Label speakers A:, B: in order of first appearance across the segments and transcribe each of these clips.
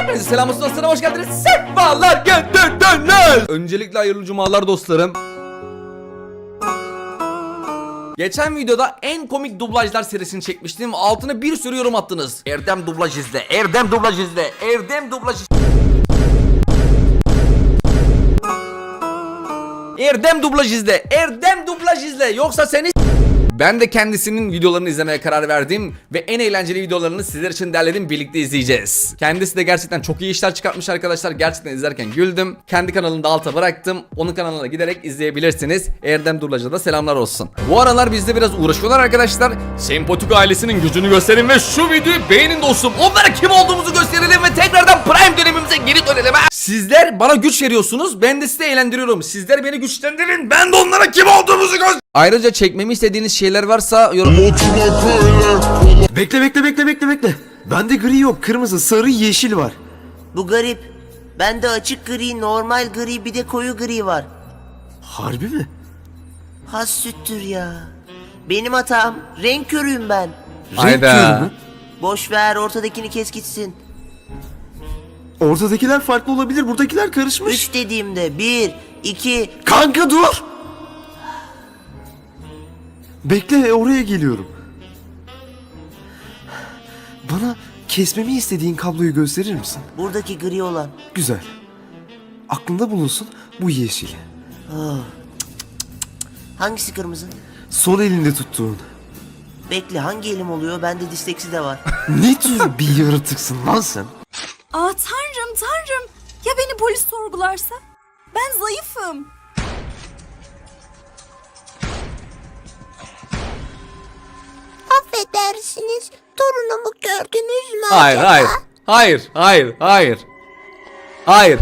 A: Hepinize selam olsun dostlarım, hoş geldiniz. Sefalar getirdiniz. Öncelikle hayırlı cumalar dostlarım. Geçen videoda en komik dublajlar serisini çekmiştim. Altına bir sürü yorum attınız. Erdem dublaj izle, Erdem dublaj izle, Erdem dublaj izle. Erdem dublaj izle, Erdem dublaj izle. Yoksa seni... Ben de kendisinin videolarını izlemeye karar verdim ve en eğlenceli videolarını sizler için derledim, birlikte izleyeceğiz. Kendisi de gerçekten çok iyi işler çıkartmış arkadaşlar. Gerçekten izlerken güldüm. Kendi kanalını da alta bıraktım. Onun kanalına giderek izleyebilirsiniz. Erdem Durlac'a da selamlar olsun. Bu aralar bizde biraz uğraşıyorlar arkadaşlar. Sempatik ailesinin gücünü gösterin ve şu videoyu beğenin dostum. Onlara kim olduğumuzu gösterelim ve tekrardan Prime dönemimize geri dönelim. Sizler bana güç veriyorsunuz. Ben de sizi eğlendiriyorum. Sizler beni güçlendirin. Ben de onlara kim olduğumuzu göstereyim. Ayrıca çekmemi istediğiniz şeyler varsa yorum...
B: Bekle. Bende gri yok, kırmızı, sarı, yeşil var.
C: Bu garip. Bende açık gri, normal gri, bir de koyu gri var.
B: Harbi mi?
C: Has süttür ya. Benim hatam. Renk körüyüm ben.
A: Hayda.
B: Renk körü mü?
C: Boş ver, ortadakini kes gitsin.
B: Ortadakiler farklı olabilir, buradakiler karışmış.
C: 3 dediğimde 1, 2...
B: Kanka dur! Bekle, oraya geliyorum. Bana kesmemi istediğin kabloyu gösterir misin?
C: Buradaki gri olan.
B: Güzel. Aklında bulunsun, bu yeşil.
C: Hangisi kırmızı?
B: Sol elinde tuttuğun.
C: Bekle, hangi elim oluyor? Bende disleksi de var.
B: Ne tür bir yaratıksın lan sen?
D: Aa tanrım. Ya beni polis sorgularsa? Ben zayıfım.
E: Affedersiniz, torunumu gördünüz mü
A: Hayır,
E: acaba?
A: hayır.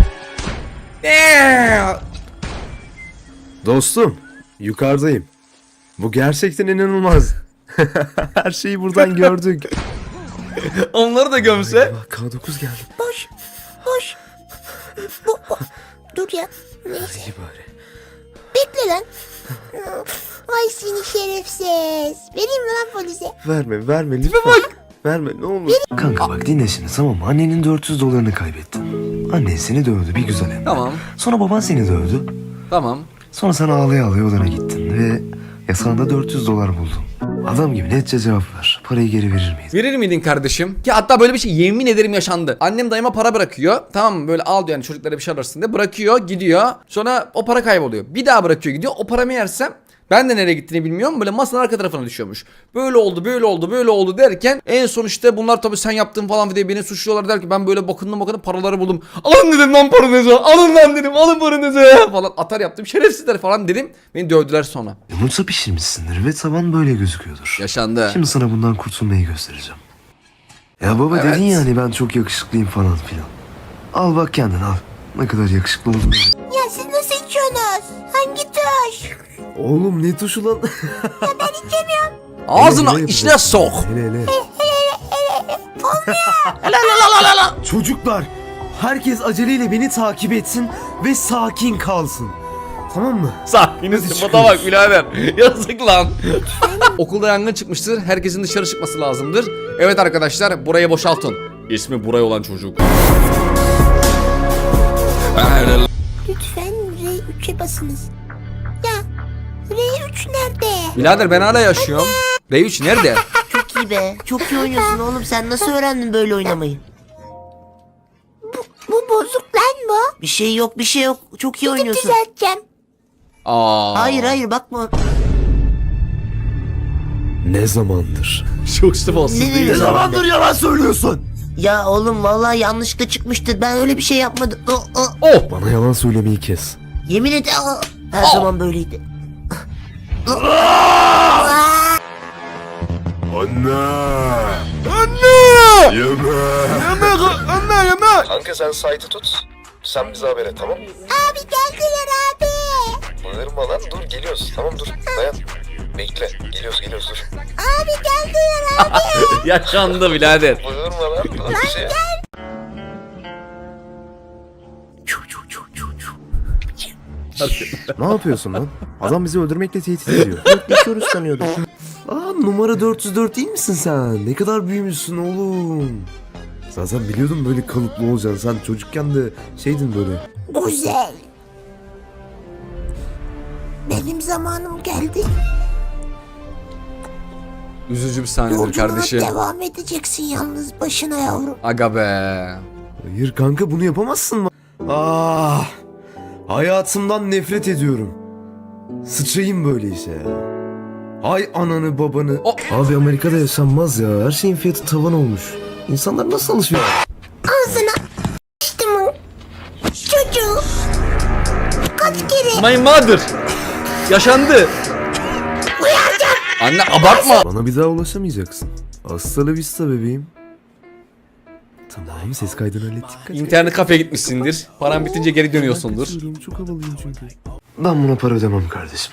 B: Dostum, yukarıdayım. Bu gerçekten inanılmaz. Her şeyi buradan gördük.
A: Onları da gömse.
B: K9 geldi.
E: Boş. Dur ya. Neyse.
B: İyi bari.
E: Bekle lan. Ay seni şerefsiz. Vereyim mi lan polise?
B: Verme lütfen. Verme ne olur. Kanka bak dinle şimdi, tamam mı? Annenin 400 dolarını kaybettin. Annen seni dövdü bir güzel hem de.
A: Tamam.
B: Sonra baban seni dövdü.
A: Tamam.
B: Sonra sen ağlaya ağlaya odana gittin ve yasağında 400 dolar buldun. Adam gibi netçe cevap ver. Parayı geri verir miydin?
A: Verir miydin kardeşim? Ki hatta böyle bir şey yemin ederim yaşandı. Annem dayıma para bırakıyor. Tamam mı? Böyle al diyor, yani çocuklara bir şey alırsın diye. Bırakıyor, gidiyor. Sonra o para kayboluyor. Bir daha bırakıyor, gidiyor. O paramı yersem ben de nereye gittiğini bilmiyorum. Böyle masanın arka tarafına düşüyormuş. Böyle oldu derken en son işte bunlar tabii sen yaptın falan diye beni suçluyorlar, der ki ben böyle bakındım paraları buldum. Alın dedim lan paranızı. Alın lan dedim. Alın paranızı falan atar yaptım. Şerefsizler falan dedim. Beni dövdüler sonra.
B: Yumurta pişirmişsindir ve taban böyle gözüküyordur.
A: Yaşandı.
B: Şimdi sana bundan kurtulmayı göstereceğim. Ya baba
A: Evet.
B: dedin ya hani ben çok yakışıklıyım falan filan. Al bak kendin al. Ne kadar yakışıklı oldun.
E: Ya siz nasıl içiyorsunuz? Hangi tuş?
B: Oğlum ne tuşu lan?
E: Ben içemiyorum.
A: Ağzına içine sok.
B: Hele. Çocuklar, herkes aceleyle beni takip etsin ve sakin kalsın. Tamam mı?
A: Sakiniz
B: Hadi
A: sıfata bak
B: çıkıyoruz.
A: birader. Yazık lan. Okulda yangın çıkmıştır. Herkesin dışarı çıkması lazımdır. Evet arkadaşlar, burayı boşaltın. İsmi Buray olan çocuk.
E: Lütfen R3'e basınız. Ya R3 nerede?
A: Birader ben hala yaşıyorum. R3 nerede?
C: Çok iyi be. Çok iyi oynuyorsun oğlum. Sen nasıl öğrendin böyle oynamayı?
E: Bu bozuk lan bu.
C: Bir şey yok. Çok iyi oynuyorsun.
E: Düzelteceğim.
A: Aa.
C: Hayır bakma.
B: Ne zamandır?
A: Çok sıfırsız
C: Ne
A: değil.
C: zamandır
B: yalan söylüyorsun?
C: Ya oğlum vallahi yanlışlıkla çıkmıştır. Ben öyle bir şey yapmadım.
A: Oh.
B: Bana yalan söylemeyi kes.
C: Yemin et. Her zaman böyleydi.
F: Kanka sen site'ı tut. Sen bize haber et, tamam mı?
E: Abi geldiler abi.
F: Bağırma lan, dur geliyoruz. Tamam dur dayan. Bekle geliyoruz dur.
E: Abi geldiler abi.
A: Yaşandı birader.
F: Bağırma lan dur bir şey.
B: Ne yapıyorsun lan? Adam bizi öldürmekle tehdit ediyor.
C: Bekliyoruz sanıyordum.
B: Aa, numara 404 değil misin sen? Ne kadar büyümüşsün oğlum. Zaten biliyordum böyle kalıplı olacaksın. Sen çocukken de şeydin böyle.
E: Güzel. Benim zamanım geldi.
A: Üzücü bir sahnedir
E: Yolculuğuna
A: kardeşim.
E: devam edeceksin yalnız başına yavrum.
A: Aga be.
B: Hayır kanka bunu yapamazsın mı? Ah! Hayatımdan nefret ediyorum. Sıçayım böyle işe ya. Ay ananı babanı. Abi Amerika'da yaşanmaz ya. Her şeyin fiyatı tavan olmuş. İnsanlar nasıl alışıyor?
E: Ağzına işte mi? Çocuğu. Kaç kere
A: My mother. Yaşandı. Anne abartma.
B: Bana bir daha ulaşamayacaksın. Hasta la vista bebeğim. Tamam ses kaydını hallettik. Kaç
A: İnternet kafeye gitmişsindir. Paran bitince geri dönüyorsundur.
B: kaçıyorum, çok havalıyım çünkü. Ben buna para ödemem kardeşim.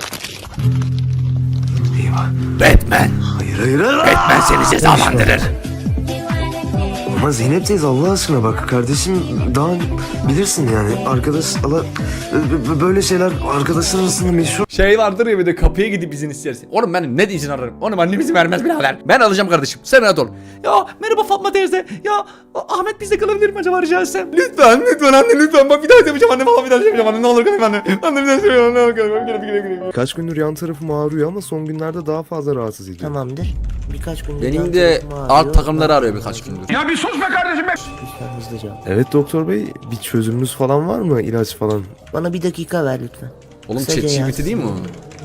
B: Eyvah.
A: Batman.
B: Hayır.
A: Batman seni cezalandırır.
B: Ama Zeynep teyze Allah aşkına bak kardeşim daha bilirsin yani arkadaş böyle şeyler arkadaşlar arasında meşhur.
A: Şey vardır ya bir de kapıya gidip izin istersin. Oğlum ben ne izin ararım? Oğlum annem izin vermez birader. Ben alacağım kardeşim. Sen rahat ol. Ya merhaba Fatma teyze. Ya Ahmet bizde kalabilir mi acaba rica etsem? Lütfen anne lütfen. Bak bir daha yapacağım anne valla bir daha yapacağım anne. Ne olur kalayım anne. Anne bir daha yapacağım ne olur kalayım.
B: Kaç gündür yan tarafım ağrıyor ama son günlerde daha fazla rahatsız ediyor.
C: Tamamdır. Birkaç gün
A: Benim de alt takımları arıyor birkaç gündür.
C: Lütfen hızlıca.
B: Evet doktor bey bir çözümünüz falan var mı ilaç falan?
C: Bana bir dakika ver lütfen.
A: Oğlum
C: Kısaca
A: ChatGPT
C: yazsın.
A: değil mi o?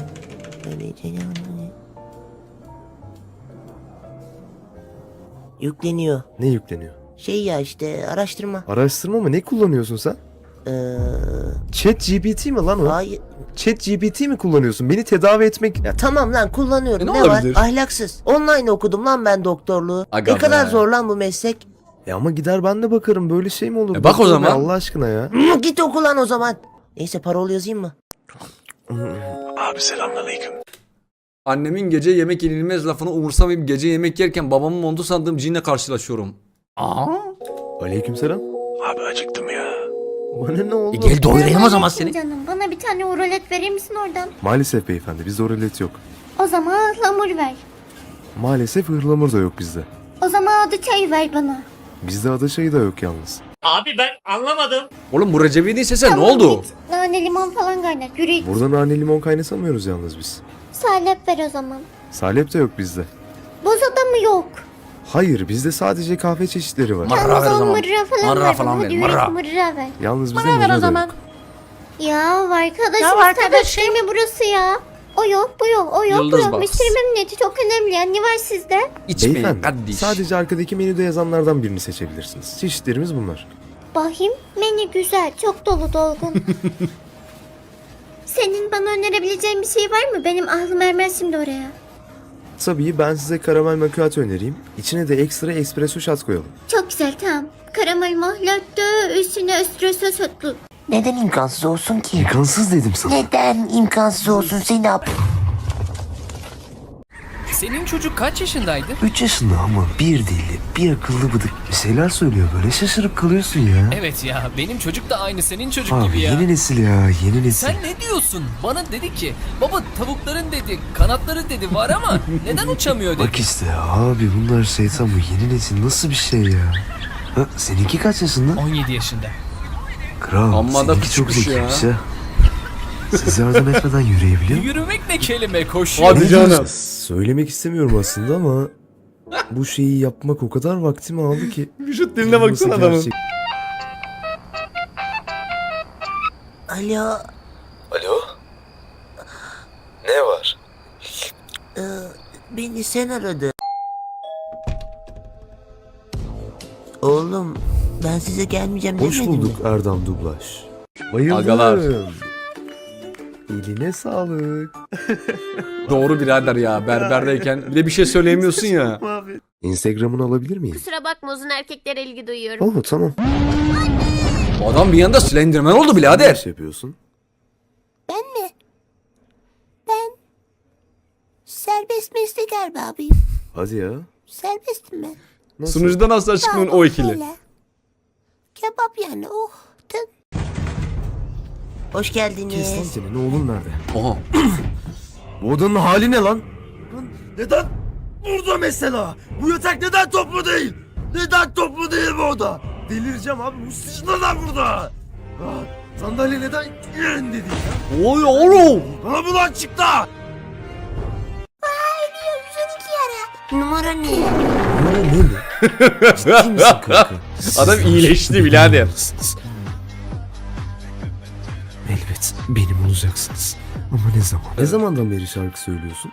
C: Yükleniyor.
B: Ne yükleniyor?
C: Şey ya işte araştırma.
B: Araştırma mı ne kullanıyorsun sen? Chat GPT mi lan o?
C: Hayır.
B: Chat GPT mi kullanıyorsun? Beni tedavi etmek...
C: Ya tamam lan kullanıyorum.
A: Ne
C: Ne var?
A: olabilir?
C: Ahlaksız. Online okudum lan ben doktorluğu.
A: Aga
C: ne kadar
A: be.
C: zor lan bu meslek.
B: Ama gider ben de bakarım böyle şey mi olur?
A: E bak o
B: Doktor bey,
A: zaman.
B: Allah aşkına ya.
C: Git oku lan o zaman. Neyse parol yazayım mı?
A: Annemin gece yemek yenilmez lafını umursamayıp gece yemek yerken babamın montu sandığım cinle karşılaşıyorum. Aa?
B: Aleykümselam. Abi acıktım ya. Bana ne oldu?
A: Gel doyurayım o zaman seni.
G: Canım bana bir tane urolet verir misin oradan?
B: Maalesef beyefendi bizde oralet yok.
G: O zaman ıhlamur ver.
B: Maalesef ıhlamur da yok bizde.
G: O zaman adı çayı ver bana.
B: Bizde ada çayı da yok yalnız.
A: Oğlum bu Recep'in sesi ne oldu?
G: Git. Nane limon falan kaynat. Yürü git.
B: Burada nane limon kaynatamıyoruz yalnız biz.
G: Salep ver o zaman.
B: Salep de yok bizde.
G: Bozada mı yok?
B: Hayır bizde sadece kahve çeşitleri var.
A: Mırra ver o zaman.
G: Mırra falan
A: Mırra
G: ver.
A: falan
G: bana.
A: ver,
G: Hadi
A: mırra.
G: mırra ver.
B: Yalnız bizde mırra da yok.
G: Ya arkadaşım değil mi burası ya? O yok bu yok o yok
A: Yıldız
G: bu yok.
A: Box.
G: Müşteri memnuniyeti çok önemli ya. Ne var sizde?
A: İçmeyin
B: Beyefendi
A: kardeş.
B: sadece arkadaki menüde yazanlardan birini seçebilirsiniz. Çeşitlerimiz bunlar.
G: Bakayım menü güzel çok dolu dolgun. Senin bana önerebileceğin bir şey var mı? Benim aklım ermez şimdi oraya.
B: Tabii ben size karamel macchiato önereyim. İçine de ekstra espresso shot koyalım.
G: Çok güzel tamam. Karamel mahlatto üstüne espresso şotlu.
C: Neden imkansız olsun ki?
B: İmkansız dedim sana.
C: Neden imkansız olsun Zeynep?
H: Senin çocuk kaç yaşındaydı?
B: 3 yaşında ama bir dilli, bir akıllı bıdık. Bir şeyler söylüyor böyle şaşırıp kalıyorsun ya.
H: Evet ya benim çocuk da aynı senin çocuk
B: Abi
H: gibi ya.
B: yeni nesil ya yeni nesil.
H: Sen ne diyorsun? Bana dedi ki baba tavukların dedi kanatları dedi var ama neden uçamıyor dedi.
B: Bak işte abi bunlar şeytan bu yeni nesil nasıl bir şey ya. Ha, seninki kaç yaşında?
H: 17 yaşında.
B: Kral
A: Amma da
B: seninki çok
A: küçükmüş ya.
B: zekiymiş ya. Siz yardım etmeden yürüyebiliyor musun?
H: Yürümek ne kelime koşuyor.
A: Hadi canım.
B: Söylemek istemiyorum aslında ama bu şeyi yapmak o kadar vaktimi aldı ki.
A: Vücut diline baksana
B: Nasıl
A: adamın.
B: gerçek-
C: Alo.
F: Alo? Ne var?
C: Beni sen aradın. Oğlum ben size gelmeyeceğim
B: Hoş
C: demedim
B: bulduk
C: mi?
B: Erdem Dublaj. Bayıldım.
A: Agalar.
B: Eline sağlık.
A: Doğru birader ya berberdeyken bir de bir şey söyleyemiyorsun ya.
B: Instagram'ını alabilir miyim?
G: Kusura bakma uzun erkeklere ilgi duyuyorum.
B: Oo tamam.
A: Bu adam bir yanda Slenderman oldu
B: Ne
A: birader.
B: iş yapıyorsun?
E: Ben mi? Ben serbest meslek erbabıyım.
B: Hadi ya.
E: Serbestim ben.
B: Nasıl?
A: Sunucudan asla çıkmıyor o ikili.
E: Böyle. Kebap yani oh. Tın.
C: Hoş
B: Kes lan
C: geldiniz.
B: senin oğlun nerede?
A: Oha.
B: Bu odanın hali ne lan? Neden burada mesela? Bu yatak neden toplu değil? Neden toplu değil mi o da? Delireceğim abi, bu sıçma da burada. Sandalye neden yerinde değil ya?
A: Oy oğlum.
B: Bana bu lan çıktı.
E: Ölüyor 112 yara.
C: Numara ne?
B: Ne? Ciddi misin kanka?
A: Adam iyileşti birader.
B: Elbet benim olacaksınız. Ama ne zaman? Ne zamandan beri şarkı söylüyorsun?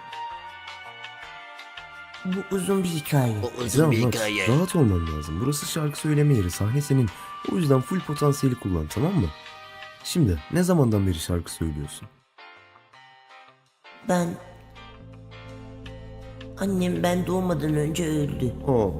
C: Bu uzun bir hikaye.
B: Tamam, rahat olman lazım. Burası şarkı söyleme yeri. Sahne senin. O yüzden full potansiyeli kullan, tamam mı? Şimdi ne zamandan beri şarkı söylüyorsun?
C: Annem ben doğmadan önce öldü.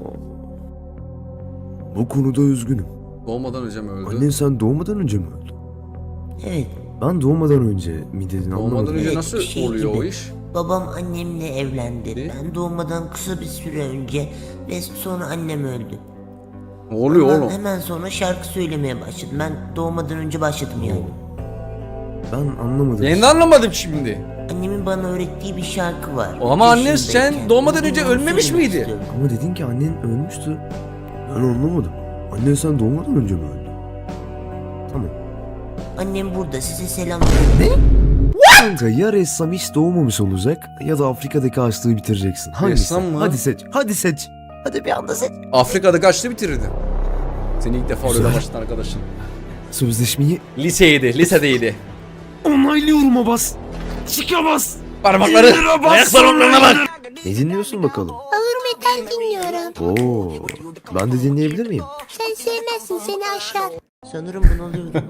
B: Bu konuda üzgünüm.
A: Doğmadan önce mi öldü?
B: Annen sen doğmadan önce mi öldü?
C: Evet.
B: Ben doğmadan önce mi dedin,
A: Doğmadan
B: anlamadım.
A: önce
C: Evet,
A: nasıl
C: bir şey
A: oluyor o
C: gibi.
A: iş?
C: Babam annemle evlendi.
A: Ne?
C: Ben doğmadan kısa bir süre önce ve sonra annem öldü.
A: Ne oluyor
C: Ondan
A: oğlum?
C: hemen sonra şarkı söylemeye başladım. Ben doğmadan önce başladım yani.
B: Ben anlamadım.
A: Ben de anlamadım şimdi.
C: Annemin bana öğrettiği bir şarkı var.
A: Ama annen
C: Yaşındayken.
A: sen doğmadan önce
C: Bunu
A: ölmemiş
C: söylemek
A: miydi?
C: istiyorum.
B: Ama dedin ki annen ölmüştü. Ben anlamadım. Annen sen doğmadan önce mi öldü? Tamam.
C: Annem burada size selam veriyor.
B: Kanka ya ressam hiç doğmamış olacak ya da Afrika'daki açlığı bitireceksin. Hangisi?
A: Ressam mı?
B: Hadi seç. Hadi seç. Hadi bir anda seç.
A: Afrika'da kaçtı bitirirdi. Seni ilk defa orada
B: Güzel.
A: başladın arkadaşın.
B: Sözleşmeyi
A: Lisedeydi.
B: onaylıyorum Abbas. Çıkamaz.
A: Parmakları, ayak parmaklarına bak.
B: Ne dinliyorsun bakalım?
E: Ağır metal dinliyorum.
B: Oo, ben de dinleyebilir miyim?
E: Sen sevmezsin, seni aşar.
C: Sanırım bunalıyordum.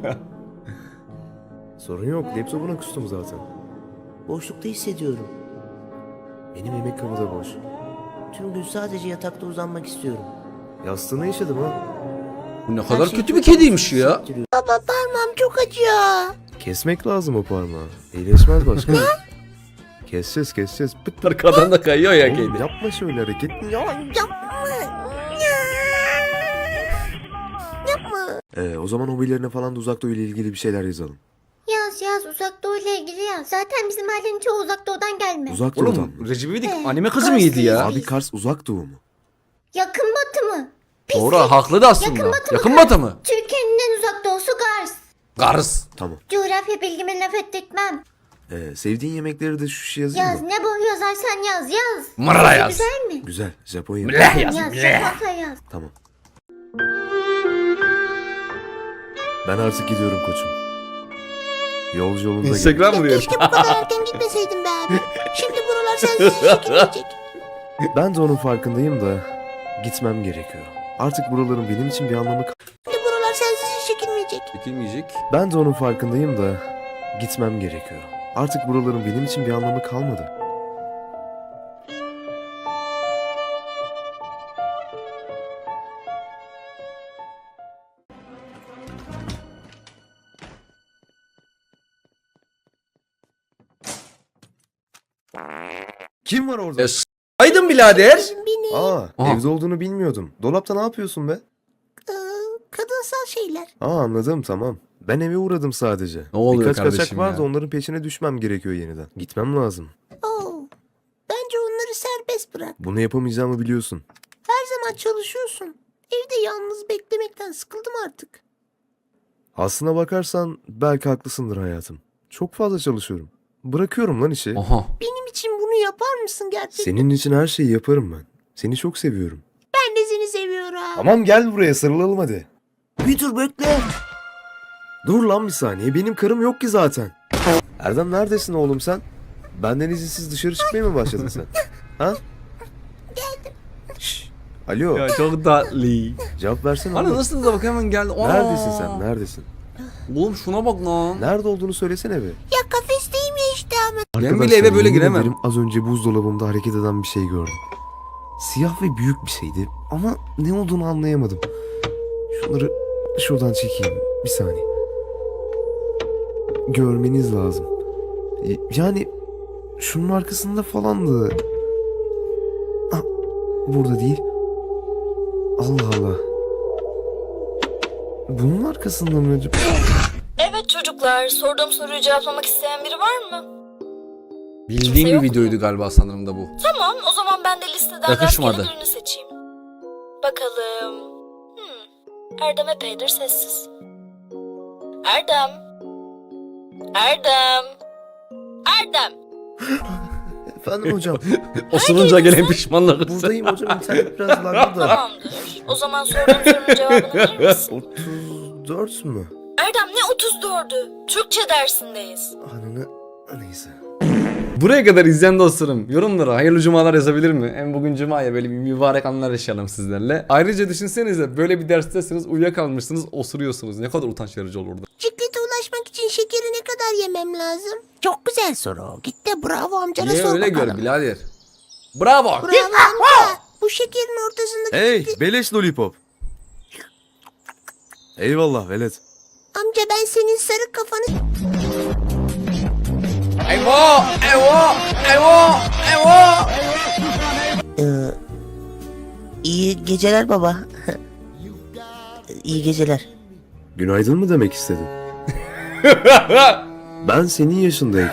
B: Sorun yok. Laptopuna kustum zaten.
C: Boşlukta hissediyorum.
B: Benim yemek kabı boş.
C: Tüm gün sadece yatakta uzanmak istiyorum.
B: Yastığına işedim ha.
A: Bu ne
C: Her
A: kadar
C: şey
A: kötü
C: çok
A: bir kediymiş ya.
C: hissettiriyor.
E: Baba parmağım çok acıyor.
B: Kesmek lazım o parmağı. İyileşmez başka. Keseceğiz. Pıt.
A: Arkadan da kayıyor ya
B: Oğlum,
A: kedi.
B: yapma şöyle hareket.
E: Yapma. Yapma.
B: O zaman hobilerine falan da Uzak Doğu ile ilgili bir şeyler yazalım.
G: Yaz Uzak Doğu ile ilgili yaz. Zaten bizim ailenin çoğu Uzak Doğu'dan gelme.
B: Uzak Doğu'dan
A: Oğlum
B: mı?
A: Recep İvedik anime kızı mıydı ya?
B: Abi Kars Uzak Doğu mu?
G: Yakın Batı mı?
A: Doğru haklı da aslında.
G: Yakın Batı mı?
A: Yakın Batı mı?
G: Türkiye'nin en uzak doğusu Kars.
A: Kars.
B: Tamam.
G: Coğrafya bilgime laf ettirtmem.
B: Sevdiğin yemekleri de şu şey yazayım
G: Yaz
B: mı?
G: ne bu yazarsan yaz.
A: Mırra yaz.
G: Güzel mi?
B: Güzel. Japon yemeği.
A: Mleh yaz.
G: Yaz
A: Mleh.
G: Japonca yaz.
B: Tamam. Ben artık gidiyorum koçum. Yolcu yolunda gel.
A: Instagram mı diyor?
E: Keşke bu kadar erken gitmeseydim be abi. Şimdi buralar sensiz çekilmeyecek.
B: Ben de onun farkındayım da gitmem gerekiyor. Artık buraların benim için bir anlamı
E: Şimdi buralar sensiz çekilmeyecek.
A: Çekilmeyecek.
B: Ben de onun farkındayım da gitmem gerekiyor. Artık buraların benim için bir anlamı kalmadı. Kim var orada?
A: Aydın birader.
E: Beni
B: Aa,
A: Aha.
B: evde olduğunu bilmiyordum. Dolapta ne yapıyorsun be?
E: kadınsal şeyler.
B: Anladım, tamam. Ben eve uğradım sadece.
A: Ne oluyor
B: Birkaç kaçak
A: kardeşim
B: vardı,
A: ya?
B: onların peşine düşmem gerekiyor yeniden. Gitmem lazım.
E: Oo. Bence onları serbest bırak.
B: Bunu yapamayacağımı biliyorsun.
E: Her zaman çalışıyorsun. Evde yalnız beklemekten sıkıldım artık.
B: Aslına bakarsan belki haklısındır hayatım. Çok fazla çalışıyorum. Bırakıyorum lan işi.
A: Aha.
E: Benim için bunu yapar mısın gerçekten?
B: Senin için her şeyi yaparım ben. Seni çok seviyorum.
E: Ben de seni seviyorum.
B: Tamam, gel buraya sarılalım hadi.
C: Bir dur bekle.
B: Dur lan bir saniye, benim karım yok ki zaten. Erdem, neredesin oğlum sen? Benden izinsiz dışarı çıkmaya mı başladın sen? Ha?
E: Geldim.
B: Şşş. Alo,
A: Ya çok tatlı.
B: cevap versene
A: Ana
B: oğlum.
A: nasıl da bak hemen geldi. Aa.
B: Neredesin sen, neredesin?
A: Oğlum şuna bak lan.
B: Nerede olduğunu söylesene be.
E: Ya kafesteyim ya işte ama.
A: Ben bile eve böyle
B: yemin
A: giremem.
B: ederim az önce buzdolabımda hareket eden bir şey gördüm. Siyah ve büyük bir şeydi ama ne olduğunu anlayamadım. Şunları şuradan çekeyim. Bir saniye. Görmeniz lazım. Yani şunun arkasında falandı. Ah, burada değil. Allah Allah. Bunun arkasında mı acaba?
I: Evet çocuklar, sorduğum soruyu cevaplamak isteyen biri var mı?
A: Bildiğim
I: Kimse
A: bir
I: yok
A: videoydu galiba sanırım da bu.
I: Tamam, o zaman ben de listeden
A: Yakışmadı.
I: rastgele birini seçeyim. bakalım. Erdem epeydir sessiz. Erdem. Erdem. Erdem.
B: Efendim hocam.
A: Osurunca gelen pişmanlık.
B: Buradayım hocam, internet biraz laglı da.
I: Tamamdır. O zaman sorduğum sorunun cevabını verir misin?
B: 34 mü?
I: Erdem ne 34'ü? Türkçe dersindeyiz.
B: Ananı neyse.
A: Buraya kadar izleyen dostlarım yorumlara hayırlı cumalar yazabilir mi? Hem bugün cuma ya, böyle bir mübarek anlar yaşayalım sizlerle. Ayrıca düşünsenize, böyle bir derstesiniz, uyuyakalmışsınız, osuruyorsunuz. Ne kadar utanç verici olurdu.
E: Bisiklete ulaşmak için şekeri ne kadar yemem lazım? Çok güzel soru. Git de bravo amcana
A: Niye
E: sor
A: öyle
E: bakalım.
A: gör birader. Bravo.
E: Bravo amca. Bu şekerin ortasındaki...
B: Hey beleş lollipop. Eyvallah velet.
E: Amca ben senin sarı kafanı...
A: Eyvah! Eyvah! Eyvah! Eyvah!
C: İyi geceler baba. İyi geceler.
B: Günaydın mı demek istedin? Ben senin yaşındayım.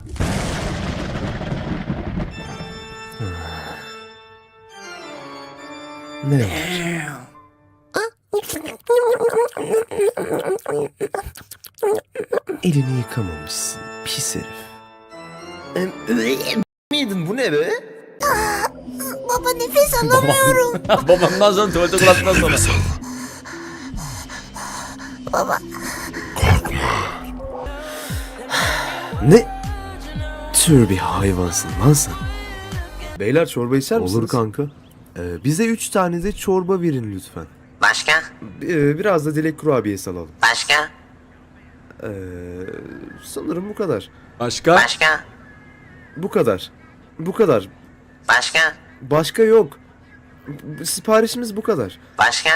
B: Ne var? Elini yıkamamışsın pis herif. Miydin bu ne be?
E: Baba nefes alamıyorum.
A: Babamdan sonra tuvalete kulaktan sonra.
E: Baba.
B: Ne tür bir hayvansın lan sen? Beyler çorba içer misiniz? Olur kanka. Bize 3 tane de çorba verin lütfen.
C: Başka?
B: Biraz da dilek kurabiyesi alalım.
C: Başka?
B: Sanırım bu kadar.
A: Başka?
C: Başka?
B: Bu kadar. Bu kadar.
C: Başka?
B: Başka yok. Siparişimiz bu kadar.
C: Başka?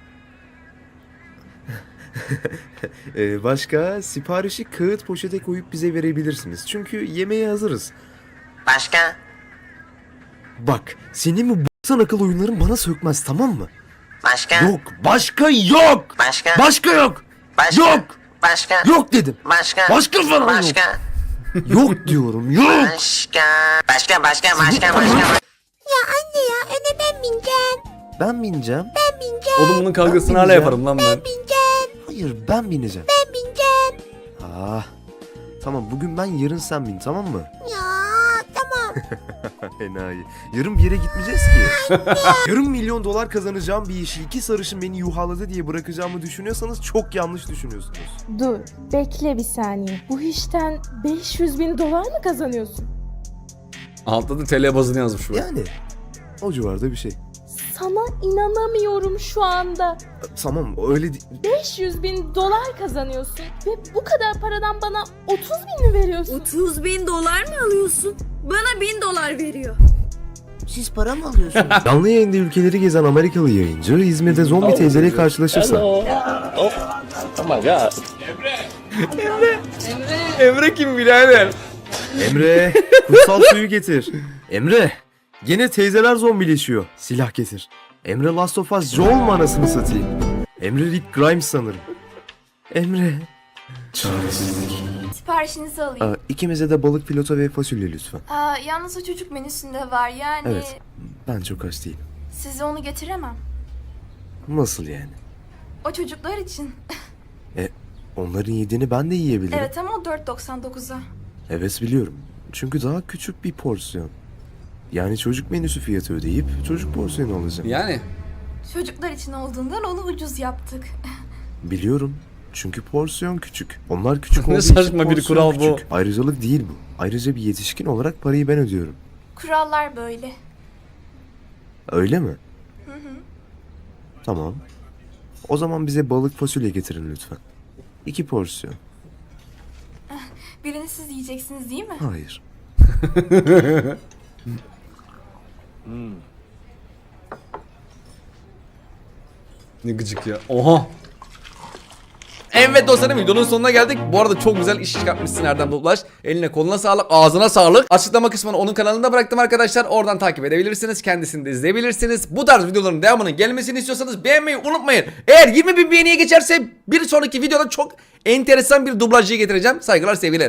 B: Başka siparişi kağıt poşete koyup bize verebilirsiniz. Çünkü yemeğe hazırız.
C: Başka?
B: Bak, senin bu b**san akıl oyunların bana sökmez, tamam mı?
C: Başka?
B: Yok, başka yok.
C: Başka?
B: Başka yok.
C: Başka?
B: Yok.
C: Başka?
B: Yok dedim.
C: Başka?
B: Başka falan yok.
C: Başka?
B: Yok diyorum, yok.
C: Başka? Başka?
E: Ya anne ya öne ben bineceğim.
B: Ben bineceğim.
E: Ben bineceğim.
A: Oğlum bunun kavgasını hala yaparım lan ben.
E: Bineceğim.
B: Hayır, ben bineceğim.
E: Ben bineceğim.
B: Tamam, bugün ben, yarın sen bin, tamam mı?
E: Ya tamam.
B: Enayi. Yarın bir yere gitmeyeceğiz ki. Yarın $1.000.000 kazanacağım bir işi 2 sarışın beni yuhaladı diye bırakacağımı düşünüyorsanız çok yanlış düşünüyorsunuz.
J: Dur, bekle bir saniye. Bu işten $500.000 mı kazanıyorsun?
A: Altta da TL bazını yazmış bu.
B: Yani o civarda bir şey.
J: Sana inanamıyorum şu anda.
B: Tamam öyle
J: $500.000 kazanıyorsun ve bu kadar paradan bana 30.000 mi veriyorsun?
D: $30.000 mı alıyorsun? Bana $1.000 veriyor.
C: Siz para mı alıyorsunuz?
B: Canlı yayında ülkeleri gezen Amerikalı yayıncı İzmir'de zombi teyzeyle karşılaşırsa.
A: Emre kim birader?
B: Emre kutsal suyu getir. Emre gene teyzeler zombileşiyor. Silah getir. Emre Last of Us Joel mu anasını satayım? Emre Rick Grimes sanırım. Emre. Çaresizlik.
J: Siparişinizi alayım.
B: İkimize de balık filoto ve fasulye lütfen.
J: Yalnız o çocuk menüsünde var yani.
B: Evet. Ben çok aç değilim.
J: Size onu getiremem.
B: Nasıl yani?
J: O çocuklar için.
B: Onların yediğini ben de yiyebilirim.
J: Evet ama o $4.99'a.
B: Evet biliyorum. Çünkü daha küçük bir porsiyon. Yani çocuk menüsü fiyatı ödeyip çocuk porsiyonu alacağım.
A: Yani.
J: Çocuklar için olduğundan onu ucuz yaptık.
B: Biliyorum. Çünkü porsiyon küçük. Onlar küçük
A: Ne
B: olduğu için
A: saçma bir
B: porsiyon
A: kural bu.
B: küçük. Ayrıcalık değil bu. Ayrıca bir yetişkin olarak parayı ben ödüyorum.
J: Kurallar böyle.
B: Öyle mi? Tamam. O zaman bize balık fasulye getirin lütfen. 2 porsiyon.
J: Birini siz yiyeceksiniz değil mi?
B: Hayır.
A: Ne gıcık ya. Oha. Evet dostlarım, videonun sonuna geldik. Bu arada çok güzel iş çıkartmışsın Erdem Duplaş. Eline koluna sağlık, ağzına sağlık. Açıklama kısmını onun kanalında bıraktım arkadaşlar. Oradan takip edebilirsiniz. Kendisini de izleyebilirsiniz. Bu tarz videoların devamının gelmesini istiyorsanız beğenmeyi unutmayın. Eğer 20.000 beğeniye geçerse bir sonraki videoda çok enteresan bir dublajcıyı getireceğim. Saygılar, sevgiler.